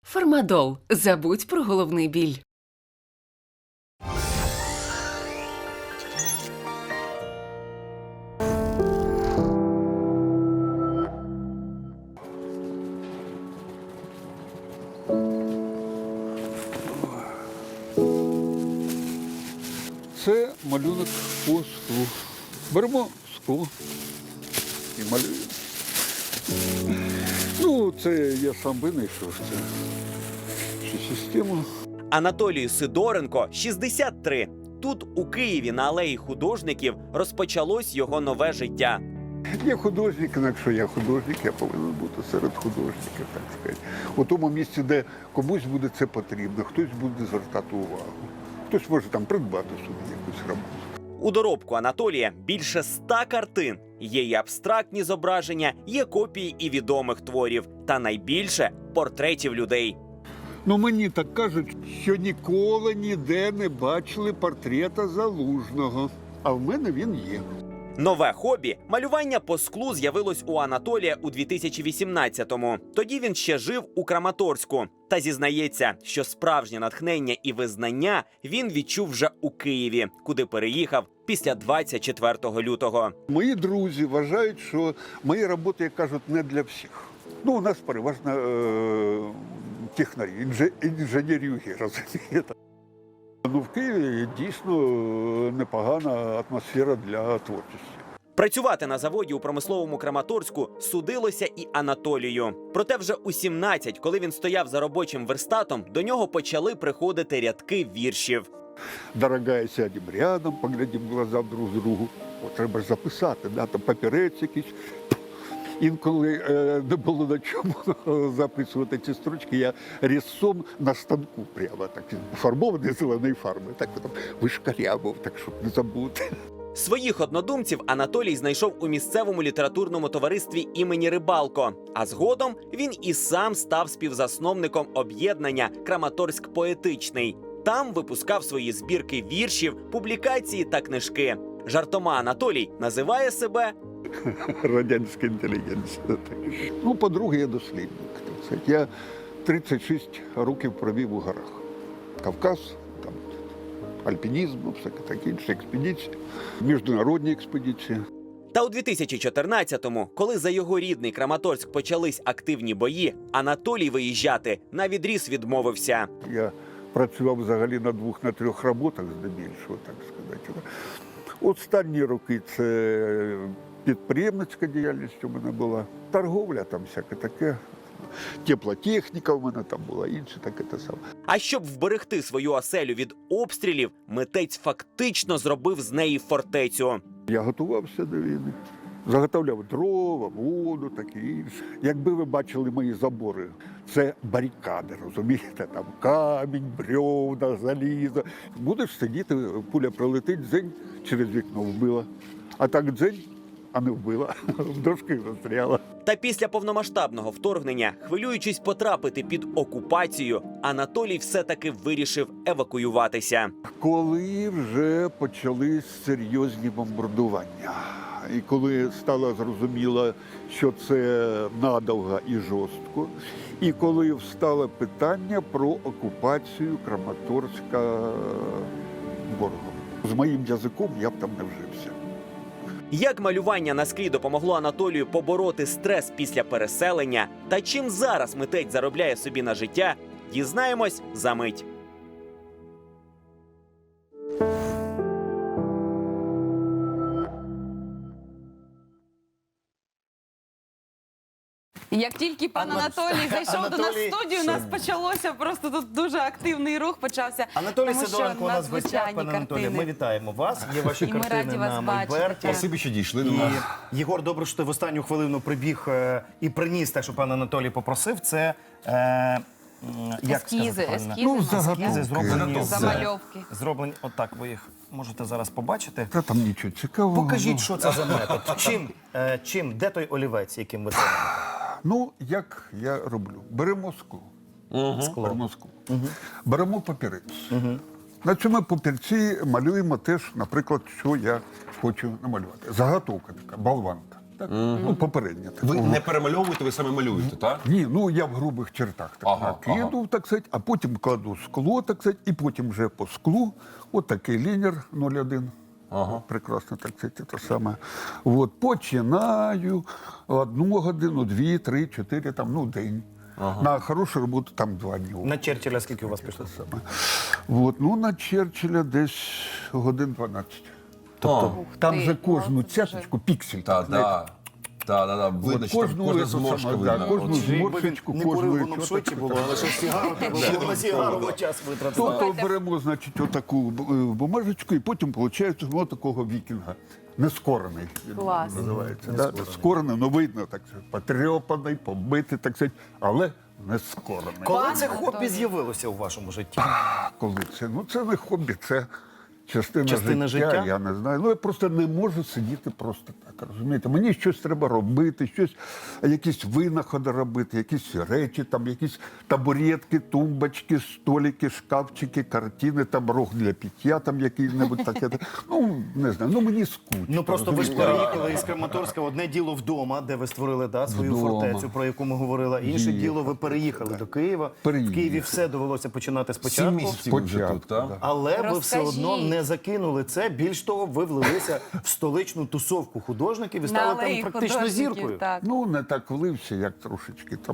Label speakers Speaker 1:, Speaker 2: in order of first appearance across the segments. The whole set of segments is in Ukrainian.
Speaker 1: Фармадол. Забудь про головний біль.
Speaker 2: Це малюнок по склу. Беремо скло і малюємо. Ну, це я сам винайшов цю систему.
Speaker 3: Анатолію Сидоренко 63. Тут, у Києві, на алеї художників, розпочалось його нове життя.
Speaker 2: Я художник, і якщо я художник, я повинен бути серед художників, так сказати. У тому місці, де комусь буде це потрібно, хтось буде звертати увагу. Хтось може там придбати собі якусь роботу.
Speaker 3: У доробку Анатолія більше 100 картин. Є і абстрактні зображення, є копії і відомих творів. Та найбільше – портретів людей.
Speaker 2: Ну, мені так кажуть, що ніколи ніде не бачили портрета Залужного. А в мене він є.
Speaker 3: Нове хобі – малювання по склу з'явилось у Анатолія у 2018-му. Тоді він ще жив у Краматорську. Та зізнається, що справжнє натхнення і визнання він відчув вже у Києві, куди переїхав після 24 лютого.
Speaker 2: Мої друзі вважають, що мої роботи, як кажуть, не для всіх. Ну, у нас переважно технарі, інженерюги, розумієте. Ну, в Києві дійсно непогана атмосфера для творчості.
Speaker 3: Працювати на заводі у промисловому Краматорську судилося і Анатолію. Проте вже у 17, коли він стояв за робочим верстатом, до нього почали приходити рядки віршів.
Speaker 2: Дорогая, сядем рядом, поглядим в глаза друг другу. От треба ж записати, да, там папірець якийсь. Інколи не було на чому записувати ці строчки, я різцом на станку прямо, так, фарбований зеленої фарби, так там вишкарябав, так, щоб не забути.
Speaker 3: Своїх однодумців Анатолій знайшов у місцевому літературному товаристві імені Рибалко. А згодом він і сам став співзасновником об'єднання «Краматорськ поетичний». Там випускав свої збірки віршів, публікації та книжки. Жартома Анатолій називає себе
Speaker 2: Радянська інтелігенція. Ну, по-друге, я дослідник. Так сказати. Я 36 років провів у горах. Кавказ, там, альпінізм, всяке таке інше, експедиції, міжнародні експедиції.
Speaker 3: Та у 2014-му, коли за його рідний Краматорськ почались активні бої, Анатолій виїжджати навідріз відмовився.
Speaker 2: Я працював взагалі на 2-3 роботах здебільшого, так сказати. Останні роки це підприємницька діяльність у мене була, торговля там всяке таке, теплотехніка у мене там була, інше таке те саме.
Speaker 3: А щоб вберегти свою оселю від обстрілів, митець фактично зробив з неї фортецю.
Speaker 2: Я готувався до війни, заготовляв дрова, воду, таке інше. Якби ви бачили мої забори, це барикади, розумієте, там камінь, бревна, залізо. Будеш сидіти, пуля пролетить, дзень, через вікно вбила. А так дзень, а не вбила, в дошки застряла.
Speaker 3: Та після повномасштабного вторгнення, хвилюючись потрапити під окупацію, Анатолій все-таки вирішив евакуюватися.
Speaker 2: Коли вже почались серйозні бомбардування, і коли стало зрозуміло, що це надовго і жорстко, і коли встало питання про окупацію Краматорська ворогом. З моїм язиком я б там не вжився.
Speaker 3: Як малювання на склі допомогло Анатолію побороти стрес після переселення, та чим зараз митець заробляє собі на життя, дізнаємось за мить.
Speaker 4: Як тільки пан Анатолій зайшов до нас в студію, у нас почалося просто тут дуже активний рух почався.
Speaker 5: Анатолій
Speaker 4: тому що
Speaker 5: Сидоренко у нас в гостях.
Speaker 4: надзвичайні
Speaker 5: Пане Анатолію,
Speaker 4: картини.
Speaker 5: ми вітаємо вас. Є ваші
Speaker 4: І ми
Speaker 5: картини
Speaker 4: раді вас
Speaker 5: на
Speaker 4: бачити.
Speaker 5: Мольберті.
Speaker 6: Спасибі, що дійшли до нас.
Speaker 5: І Єгор, добре, що ти в останню хвилину прибіг і приніс те, що пан Анатолій попросив. Це як
Speaker 4: Ескізи,
Speaker 5: сказати правильно?
Speaker 4: ескізи,
Speaker 5: Ескізи зроблені
Speaker 4: замальовки.
Speaker 5: зроблені. Отак ви їх можете зараз побачити.
Speaker 2: Та там нічого цікавого.
Speaker 5: Покажіть, що це за метод. Де той олівець, яким ви це робите?
Speaker 2: Ну, як я роблю? Беремо скло. Беремо скло. Беремо папірець. На цьому папірці малюємо теж, наприклад, що я хочу намалювати. Заготовка така, болванка. Так? Ну, попередня. Так.
Speaker 6: Ви не перемальовуєте, ви саме малюєте, так?
Speaker 2: Ні, ну я в грубих чертах так
Speaker 6: Ага,
Speaker 2: накиду, так сказати, а потім кладу скло, так сказати, і потім вже по склу, от такий лінер 0,1.
Speaker 6: Ага.
Speaker 2: Прекрасно, так сказати, те саме. От, починаю 1 годину, 2, 3, 4, там, ну, день. На хорошу роботу там 2 дні.
Speaker 5: На Черчилля скільки у вас пішло?
Speaker 2: Саме. От, ну, на Черчилля десь годин 12.
Speaker 6: Тобто,
Speaker 2: Там же кожну цяточку піксель.
Speaker 6: так, так. Так, видно,
Speaker 2: От
Speaker 6: що там кожна
Speaker 2: ету
Speaker 6: зморшка
Speaker 2: саме, да,
Speaker 6: видно.
Speaker 2: кожну
Speaker 6: От.
Speaker 2: зморшечку,
Speaker 5: Не курив,
Speaker 2: кожну
Speaker 5: воно б швидше було, але що сигару треба було на сигару час витратити.
Speaker 2: Тобто беремо, значить, отаку бумажечку, і потім виходить ось такого вікінга. Нескорений він
Speaker 4: Клас.
Speaker 2: називається. Да? Скорений, ну видно, так сказати, потрьопаний, побитий, так сказати, але нескорений.
Speaker 5: Коли
Speaker 4: Пане
Speaker 5: це хобі
Speaker 4: Анатолію.
Speaker 5: з'явилося у вашому житті?
Speaker 2: Коли це? Ну це не хобі, це частина
Speaker 5: Частина життя?
Speaker 2: Я не знаю. Ну я просто не можу сидіти просто так. Розумієте? Мені щось треба робити, щось, якісь винаходи робити, якісь речі, там якісь табуретки, тумбочки, столики, шкафчики, картини, там рог для пиття, там який-небудь таке. Ну не знаю. Ну мені скучно.
Speaker 5: Ну просто ви ж
Speaker 2: розумієте?
Speaker 5: переїхали із Краматорська. Одне діло вдома, де ви створили свою
Speaker 2: Вдома.
Speaker 5: фортецю, про яку ми говорили. Інше
Speaker 2: Їхали.
Speaker 5: діло, ви переїхали до Києва.
Speaker 2: Переїхали.
Speaker 5: В Києві все довелося починати
Speaker 6: 7
Speaker 5: спочатку.
Speaker 6: місяців ви вже тут, так?
Speaker 2: да.
Speaker 5: Але ви все
Speaker 4: Розкажіть.
Speaker 5: одно не закинули це. Більш того, ви влилися в столичну тусовку художників і
Speaker 4: На
Speaker 5: стали
Speaker 4: алеї
Speaker 5: там практично
Speaker 4: художників,
Speaker 5: зіркою.
Speaker 4: Так.
Speaker 2: Ну, не так влився, як трошечки там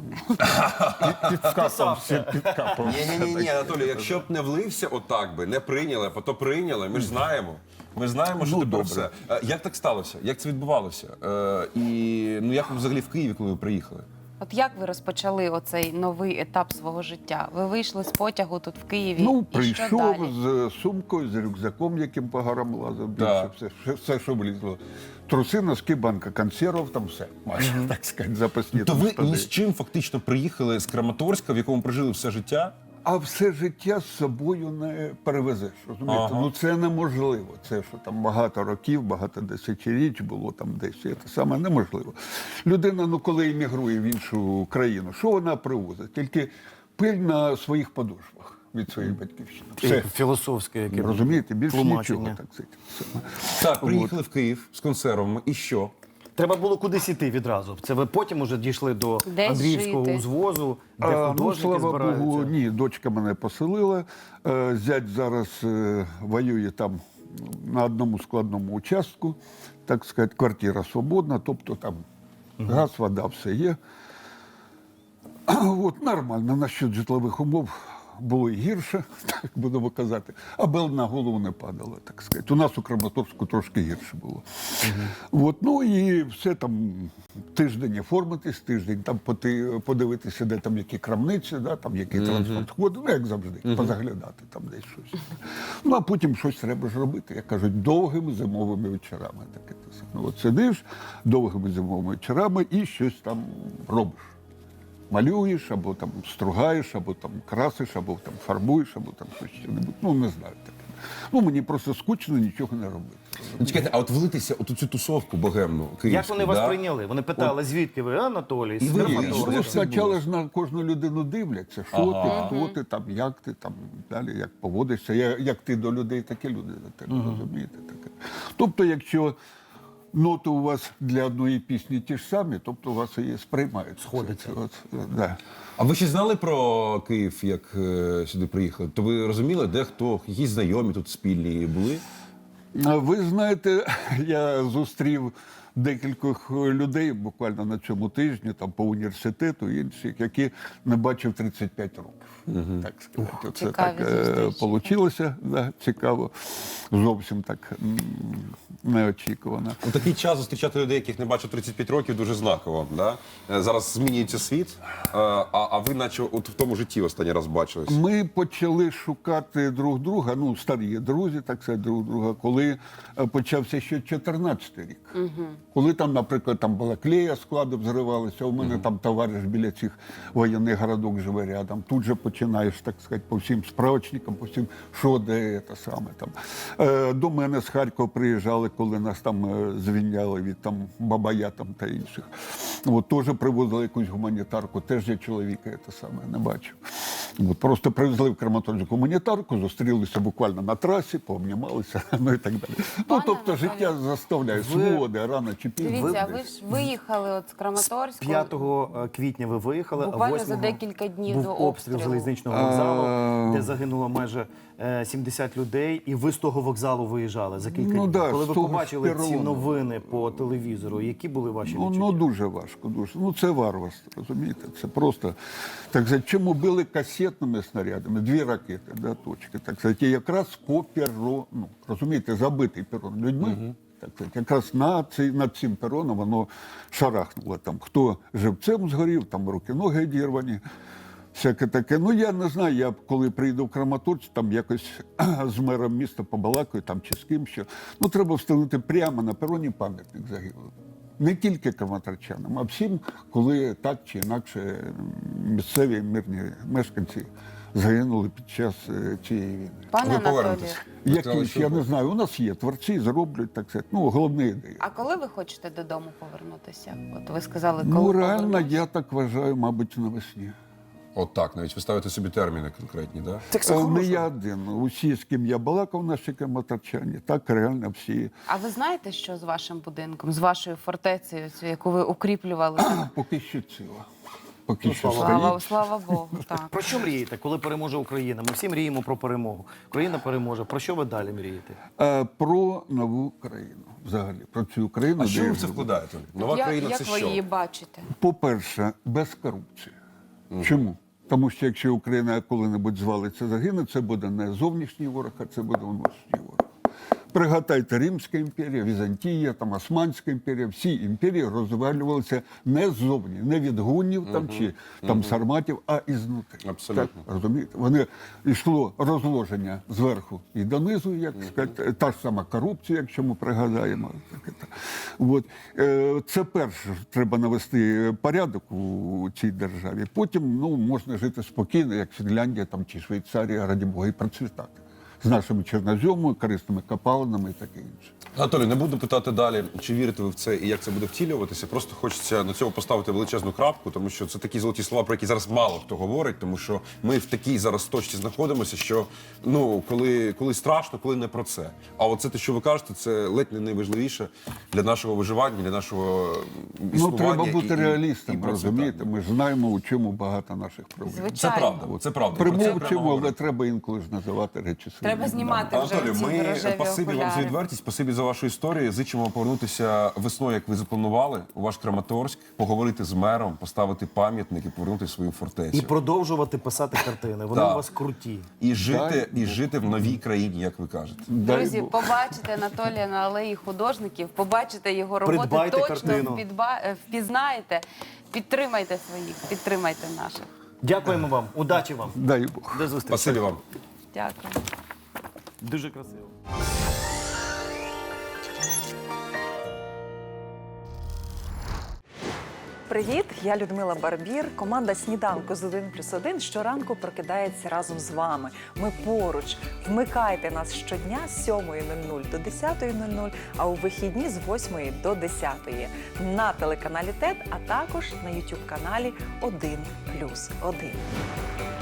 Speaker 2: підкапався.
Speaker 6: Ні, Анатолій, якщо б не влився отак би, не прийняли, а то прийняли, ми ж знаємо. Ми знаємо, що
Speaker 2: Ну,
Speaker 6: тепер
Speaker 2: добре.
Speaker 6: все. Як так сталося? Як це відбувалося? І ну як ви взагалі в Києві, коли ви приїхали?
Speaker 4: От як ви розпочали оцей новий етап свого життя? Ви вийшли з потягу тут в Києві,
Speaker 2: Ну,
Speaker 4: і що
Speaker 2: прийшов
Speaker 4: далі?
Speaker 2: з сумкою, з рюкзаком, яким по горам лазив, більше
Speaker 6: Так.
Speaker 2: все, що влізло. Труси, носки, банка консервів, там все. Майже, так сказати, запасні.
Speaker 6: То
Speaker 2: там
Speaker 6: ви
Speaker 2: штани.
Speaker 6: ні з чим фактично приїхали з Краматорська, в якому прожили все життя?
Speaker 2: А все життя з собою не перевезеш, розумієте?
Speaker 6: Ага.
Speaker 2: Ну це неможливо. Це що там багато років, багато десятиріч було там десь. Це саме неможливо. Людина, ну коли емігрує в іншу країну, що вона привозить? Тільки пиль на своїх подошвах від своєї батьківщини. Все.
Speaker 5: Філософське, яке
Speaker 2: Розумієте, більше
Speaker 5: тлумачення.
Speaker 2: нічого, так сказати. Все.
Speaker 6: Так, приїхали в Київ з консервами. І що?
Speaker 5: Треба було кудись іти відразу. Це ви потім уже дійшли до
Speaker 4: Десь
Speaker 5: Андріївського
Speaker 4: жити.
Speaker 5: узвозу, де
Speaker 2: Ну,
Speaker 5: художники
Speaker 2: слава
Speaker 5: збираються.
Speaker 2: Богу, ні, дочка мене поселила. Зять зараз воює там на одному складному участку, так сказати, квартира свободна, тобто там газ, вода, все є. От, нормально, насчет житлових умов було і гірше, так будемо казати, аби на голову не падало, так сказати. У нас у Краматорську трошки гірше було. От, ну і все там тиждень оформитись, тиждень там подивитися, де там які крамниці, да, там який транспорт ходить, ну як завжди, позаглядати там десь щось. Ну а потім щось треба ж робити, як кажуть, довгими зимовими вечорами. Таке те саме. От сидиш довгими зимовими вечорами і щось там робиш. Малюєш, або там стругаєш, або там красиш, або там фарбуєш, або там щось. Ну, не знаю таке. Ну, мені просто скучно нічого не робити.
Speaker 6: Ну, чекайте, а от влитися у цю тусовку богемну київську,
Speaker 5: Як вони вас
Speaker 6: да?
Speaker 5: прийняли? Вони питали, звідки ви, Анатолій?
Speaker 6: І
Speaker 5: з
Speaker 6: ви
Speaker 5: Краматорська.
Speaker 6: як
Speaker 2: Ну,
Speaker 6: це
Speaker 2: спочатку
Speaker 6: було?
Speaker 2: ж на кожну людину дивляться, що
Speaker 6: Ага.
Speaker 2: ти, хто ти, там, далі, як поводишся, як ти до людей, так і люди до тебе, розумієте? Таке. Тобто, якщо ноти у вас для одної пісні ті ж самі, тобто у вас і сприймають.
Speaker 5: Сходиться.
Speaker 2: Да.
Speaker 6: А ви ще знали про Київ, як сюди приїхали? То ви розуміли, де хто, якісь знайомі тут спільні були?
Speaker 2: А ви знаєте, я зустрів декількох людей буквально на цьому тижні, там по університету, інших, які не бачив 35 років. Так сказати. Це
Speaker 4: Цікаві
Speaker 2: так
Speaker 4: зустрічі.
Speaker 2: получилося, да, цікаво. Зовсім так неочікувано.
Speaker 6: У такий час зустрічати людей, яких не бачив 35 років, дуже знаково. Да? Зараз змінюється світ, а ви наче от в тому житті останній раз бачились.
Speaker 2: Ми почали шукати друг друга, ну, старі друзі, так сказати, друг друга, коли почався ще 14-й рік. Коли там, наприклад, там Балаклея склади взривалися, у мене там товариш біля цих воєнних городок живе рядом. Тут же починаєш, так сказати, по всім справочникам, по всім, що де, те саме там. До мене з Харкова приїжджали, коли нас там звільняли від там Бабая там та інших. От теж привозили якусь гуманітарку, теж я чоловіка те саме не бачив. От, просто привезли в Краматорськ гуманітарку, зустрілися буквально на трасі, пообнімалися, ну і так далі. Ну, тобто життя заставляє своди, рано чи пізно.
Speaker 4: Дивіться, ви ж виїхали от з Краматорську.
Speaker 5: 5 квітня ви виїхали,
Speaker 4: Буквально
Speaker 5: а 8
Speaker 4: за декілька днів
Speaker 5: був
Speaker 4: до
Speaker 5: обстріл
Speaker 4: обстрілу.
Speaker 5: залізничного вокзалу, де загинуло майже 70 людей, і ви з того вокзалу виїжджали за кілька днів.
Speaker 2: да,
Speaker 5: Коли
Speaker 2: з
Speaker 5: ви
Speaker 2: того
Speaker 5: побачили ці
Speaker 2: перону.
Speaker 5: новини по телевізору, які були ваші відчуття?
Speaker 2: Ну, дуже важко, дуже. Ну, це варварство, розумієте? Це просто, так сказати, чому били касетними снарядами, 2 ракети, да, точки, так сказати, якраз по перрону, розумієте, забитий перрон людьми, так сказати, якраз над цим перроном воно шарахнуло там. Хто живцем згорів, там руки-ноги одірвані, всяке таке. Ну, я не знаю, я коли прийду в Краматорськ, там якось з мером міста побалакаю, там чи з ким що. Ну, треба встановити прямо на пероні пам'ятник загиблим. Не тільки краматорчанам, а всім, коли так чи інакше місцеві мирні мешканці загинули під час цієї війни.
Speaker 4: Пане
Speaker 6: Ви
Speaker 4: Анатолію,
Speaker 6: повернетесь. Ви сказали,
Speaker 2: Якісь,
Speaker 6: що
Speaker 2: я не знаю, у нас є творці, зроблять, так сказати, ну, головні ідеї.
Speaker 4: а коли ви хочете додому повернутися? От ви сказали, коли
Speaker 2: Ну, реально,
Speaker 4: повернусь.
Speaker 2: я так вважаю, мабуть, навесні.
Speaker 6: От так, навіть ви ставите собі терміни конкретні, да?
Speaker 2: Не я один. Усі, з ким я балакав, наші краматорчані, так реально всі.
Speaker 4: А ви знаєте, що з вашим будинком, з вашою фортецею, цю, яку ви укріплювали?
Speaker 2: Поки що ціла. Поки що
Speaker 4: Слава,
Speaker 2: стоїть.
Speaker 4: слава Богу, так.
Speaker 5: Про що мрієте, коли переможе Україна? Ми всі мріємо про перемогу. Україна переможе. Про що ви далі мрієте?
Speaker 2: Про нову країну взагалі, про цю країну.
Speaker 6: А що
Speaker 2: де
Speaker 6: ви
Speaker 2: я
Speaker 6: в це
Speaker 2: живу.
Speaker 6: вкладаєте? Нова країна
Speaker 4: Як
Speaker 6: це
Speaker 4: ви
Speaker 6: що?
Speaker 4: її бачите?
Speaker 2: По-перше, без корупції. Чому? Тому що якщо Україна коли-небудь звалиться, загине, це буде не зовнішній ворог, а це буде внутрішній ворог. Пригадайте, Римська імперія, Візантія, там, Османська імперія, всі імперії розвалювалися не ззовні, не від гуннів там, чи там, сарматів, а ізнутри.
Speaker 6: Абсолютно.
Speaker 2: Так, розумієте? Вони йшло розложення зверху і донизу, як сказати, та ж сама корупція, якщо ми пригадаємо. От. Це перше, треба навести порядок у цій державі. Потім ну, можна жити спокійно, як Фінляндія там, чи Швейцарія, раді Бога, і процвітати. З нашими чорноземами, корисними копалинами і таке інше.
Speaker 6: Анатолій, не буду питати далі, чи вірите ви в це і як це буде втілюватися. Просто хочеться на цьому поставити величезну крапку, тому що це такі золоті слова, про які зараз мало хто говорить, тому що ми в такій зараз точці знаходимося, що ну, коли страшно, коли не про це. А оце те, що ви кажете, це ледь не найважливіше для нашого виживання, для нашого
Speaker 2: Ну,
Speaker 6: існування.
Speaker 2: треба бути реалістом,
Speaker 6: процвітання.
Speaker 2: розумієте? Ми ж знаємо, у чому багато наших проблем.
Speaker 6: Це
Speaker 4: Звичайно.
Speaker 6: правда, це правда. Про це прямо
Speaker 2: Примовчимо, але
Speaker 6: говорити.
Speaker 2: треба інколи ж називати речі своїми.
Speaker 4: Треба знімати вже
Speaker 6: Анатолій,
Speaker 4: ці
Speaker 6: ми
Speaker 4: рожеві
Speaker 6: спасибі вам за
Speaker 4: окуляри.
Speaker 6: відвертість, спасибі за вашу історію. Зичимо вам повернутися весною, як ви запланували, у ваш Краматорськ, поговорити з мером, поставити пам'ятник і повернути свою фортецю.
Speaker 5: І продовжувати писати картини. Вони
Speaker 6: Так.
Speaker 5: у вас круті.
Speaker 6: І жити в новій країні, як ви кажете.
Speaker 2: Дай
Speaker 4: Друзі,
Speaker 2: Бог.
Speaker 4: побачите Анатолія на алеї художників, побачите його роботи,
Speaker 5: Придбайте
Speaker 4: точно
Speaker 5: картину.
Speaker 4: впізнаєте. Підтримайте своїх, підтримайте наших.
Speaker 5: Дякуємо вам. Удачі вам.
Speaker 2: Дай Бог.
Speaker 5: До зустрічі.
Speaker 6: Спасибі вам.
Speaker 4: Дякую.
Speaker 5: Дуже красиво.
Speaker 7: Привіт, я Людмила Барбір. Команда «Сніданку з 1+1» щоранку прокидається разом з вами. Ми поруч. Вмикайте нас щодня з 7:00 до 10:00, а у вихідні з 8 до 10 на телеканалі ТЕТ, а також на YouTube-каналі 1+1.